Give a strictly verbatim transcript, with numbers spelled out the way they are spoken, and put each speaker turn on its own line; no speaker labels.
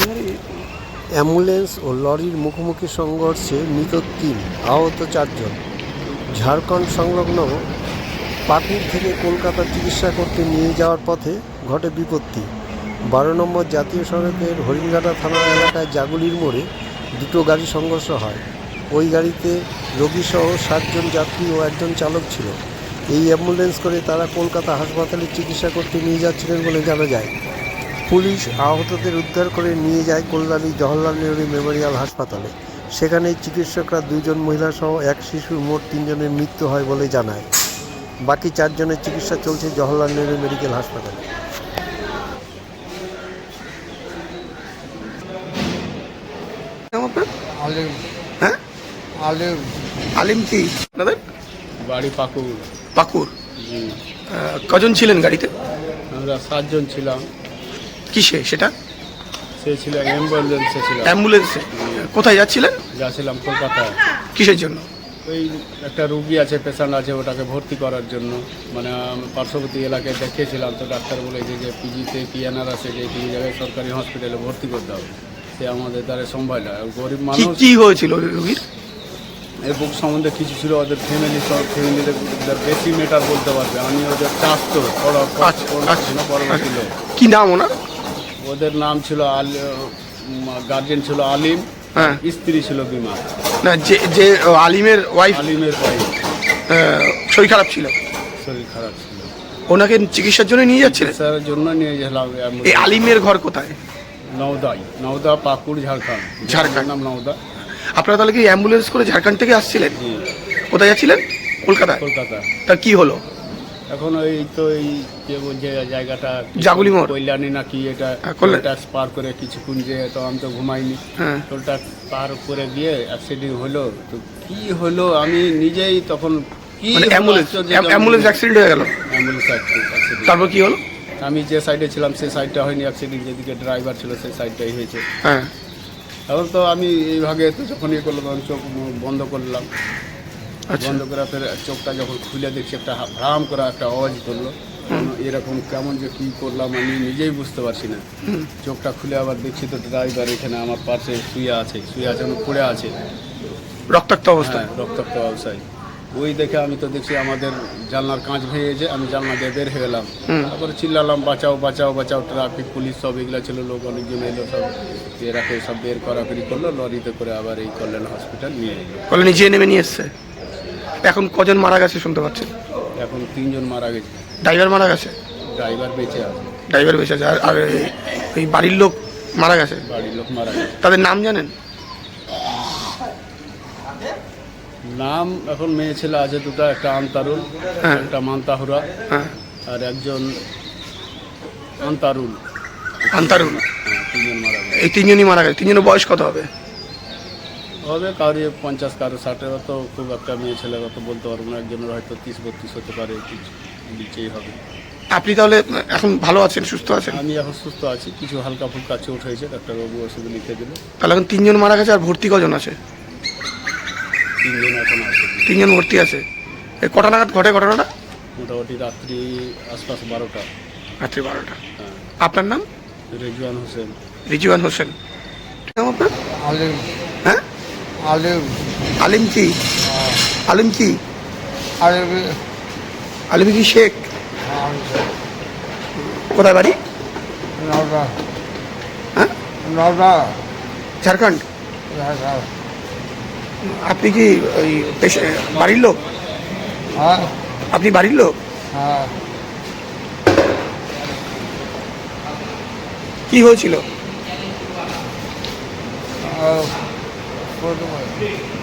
Ambulance ও লরির মুখোমুখি সংঘর্ষে মৃত তিন, আহত চারজন। ঝাড়খণ্ড সংলগ্ন পাকুড় থেকে কলকাতা চিকিৎসা করতে নিয়ে যাওয়ার পথে ঘটে বিপত্তি। বারো নম্বর জাতীয় সড়কের হরিণঘাটা থানা এলাকায় জাগুলির মোড়ে দুটো গাড়ি সংঘর্ষ হয়। ওই গাড়িতে রোগীসহ সাতজন যাত্রী ও একজন চালক ছিল। এই অ্যাম্বুলেন্স করে তারা কলকাতা হাসপাতালে চিকিৎসা করতে নিয়ে যাচ্ছিলেন বলে জানা যায়। পুলিশ আহতদের উদ্ধার করে নিয়ে যায় কল্যাণী জওহরলাল নেহরু মেমোরিয়াল হাসপাতালে। সেখানে চিকিৎসকরা দুজন মহিলা সহ এক শিশুর মোট তিনজনের মৃত্যু হয় বলে জানায়। বাকি চারজনের চিকিৎসা চলছে জওহরলাল নেহরু মেডিকেল হাসপাতালে।
আলিম।
হ্যাঁ,
আলিম।
আলিম কি আপনাদের
বাড়ি পাকুড়।
পাকুড়।
জি,
কজন ছিলেন গাড়িতে?
আমরা সাতজন ছিলাম।
কিসে সেটা?
সে ছিল অ্যাম্বুলেন্সে ছিল।
অ্যাম্বুলেন্সে। কোথায় যাচ্ছিলেন?
যাচ্ছিলাম কলকাতায়।
কিসের জন্য?
ওই একটা রুগী আছে, পেশেন্ট আছে, ওটাকে ভর্তি করার জন্য। মানে আমি পার্শ্ববর্তী এলাকায় দেখিয়েছিলাম, তো ডাক্তার বলেছে যে পিজিতে পিএনআর আছে, যে তিন জায়গায় সরকারি হসপিটালে ভর্তি করতে হবে। সে আমাদের দ্বারা সম্ভব না। গরিব মানুষ।
কি হয়েছিল রুগীর?
এই বুক সম্বন্ধে কিছু ছিল, ওদের ফ্যামিলি সব ফ্যামিলিদের বেশি মেটার বলতে পারবে। আমি ওদের চাষ তো বড় বড় ছিল।
কি নাম ওনার?
ওদের নাম ছিল আল গার্জেন ছিল আলিম,
হ্যাঁ,
স্ত্রী ছিল বিমা।
না, যে যে আলিমের ওয়াইফ,
আলিমের ওয়াইফ
শরীর খারাপ ছিল,
শরীর খারাপ ছিল,
ওনাকে চিকিৎসার জন্য নিয়ে যাচ্ছিলেন।
চিকিৎসার জন্য নিয়ে গেলাম।
এই আলিমের ঘর কোথায়?
নওদাই, নওদা পাকুড়, ঝাড়খণ্ড।
ঝাড়খণ্ড
নাম নওদা।
আপনারা তাহলে কি অ্যাম্বুলেন্স করে ঝাড়খণ্ড থেকে আসছিলেন?
জি।
কোথায় যাচ্ছিলেন? কলকাতা।
কলকাতা।
তা কি হলো
এখন ওই তো এই যে বলছে জায়গাটা
জাগুলি মোড়,
কল্যাণী নাকি, এটা টোল ট্যাক্স পার করে কিছুক্ষণ, যে তো আমি তো ঘুমাইনি, টোল ট্যাক্স পার করে গিয়ে অ্যাক্সিডেন্ট হলো। তো কি হলো আমি নিজেই তখন কি
অ্যাম্বুলেন্স অ্যাম্বুলেন্স অ্যাক্সিডেন্ট হয়ে গেল।
Ambulance accident.
তারপর কি হলো?
আমি যে সাইডে ছিলাম সেই সাইডটা হয়নি অ্যাক্সিডেন্ট, যেদিকে ড্রাইভার ছিল সেই সাইডটাই হয়েছে।
হ্যাঁ,
এখন তো আমি এইভাবে তো যখন ইয়ে করলাম, আমি চোখ বন্ধ করলাম। বন্ধ করে ফের চোখটা যখন খুলে দেখছি, একটা ভ্রাম করা একটা আওয়াজ করলো। এরকম কেমন যে কী করলাম আমি নিজেই বুঝতে পারছি না। চোখটা খুলে আবার দেখছি তো ড্রাইভার এখানে আমার পাশে শুয়ে আছে, শুয়ে আছে পড়ে আছে
রক্তাক্ত অবস্থায়।
রক্তাক্ত অবস্থায়। ওই দেখে আমি তো দেখছি আমাদের জানলার কাঁচ ভেঙেছে, আমি জানলা দিয়ে বের হয়ে গেলাম। তারপরে চিল্লালাম বাঁচাও বাঁচাও বাঁচাও, ট্রাফিক পুলিশ সব এগুলো ছিল, লোক অনেকজন এলো, সব এরাকে সব বের করাকরি করলো, লরিতে করে আবার এই কল্যাণ হসপিটাল নিয়ে এলো।
কল্যাণী নিচে নেমে নিয়ে এসছে। এখন কজন মারা গেছে শুনতে পাচ্ছেন?
এখন তিনজন মারা গেছে।
ড্রাইভার মারা গেছে?
ড্রাইভার বেঁচে আছে।
ড্রাইভার বেঁচে আছে। আর এই বাড়ির লোক মারা গেছে?
বাড়ির লোক মারা গেছে।
তাদের নাম জানেন?
নাম এখন মেয়ে ছেলে আছে দুটো, একটা আন্তারুল, একটা মান্তাহুরা, আর একজন আন্তারুল।
আন্তারুল।
তিনজন মারা গেছে।
এই তিনজনই মারা গেছে। তিনজনের বয়স কত হবে?
হবে কারো পঞ্চাশ, কারো ষাটের, অত খুব একটা মেয়ে ছেলে অত বলতে পারবো না। একজনের হয়তো তিরিশ বত্রিশ হতে পারে, নিচেই হবে।
আপনি তাহলে এখন ভালো আছেন, সুস্থ আছেন?
আমি এখন সুস্থ আছি, কিছু হালকা ফুলকা চোট হয়েছে, ডাক্তারবাবু ওষুধ লিখে দিল।
তাহলে এখন তিনজন মারা গেছে। আর ভর্তি কজন আছে?
তিনজন এখন আছে।
তিনজন ভর্তি আছে। এই কটা নাগাদ ঘটে ঘটনাটা?
মোটামুটি রাত্রি আশপাশ বারোটা।
রাত্রি বারোটা।
হ্যাঁ।
আপনার নাম?
রেজওয়ান হোসেন।
রিজওয়ান হোসেন। নাম আপনার?
আলিম।
হ্যাঁ,
আলিম।
আলিম কি? আলিম কি?
আলিম।
আলিম কি শেখ? কোথায় বাড়ি?
নওদা।
হ্যাঁ,
নওদা,
ঝাড়খণ্ড। আপনি কি ওই বাড়ির লোক?
হ্যাঁ।
আপনি বাড়ির লোক?
হ্যাঁ।
কি হয়েছিল?
আহ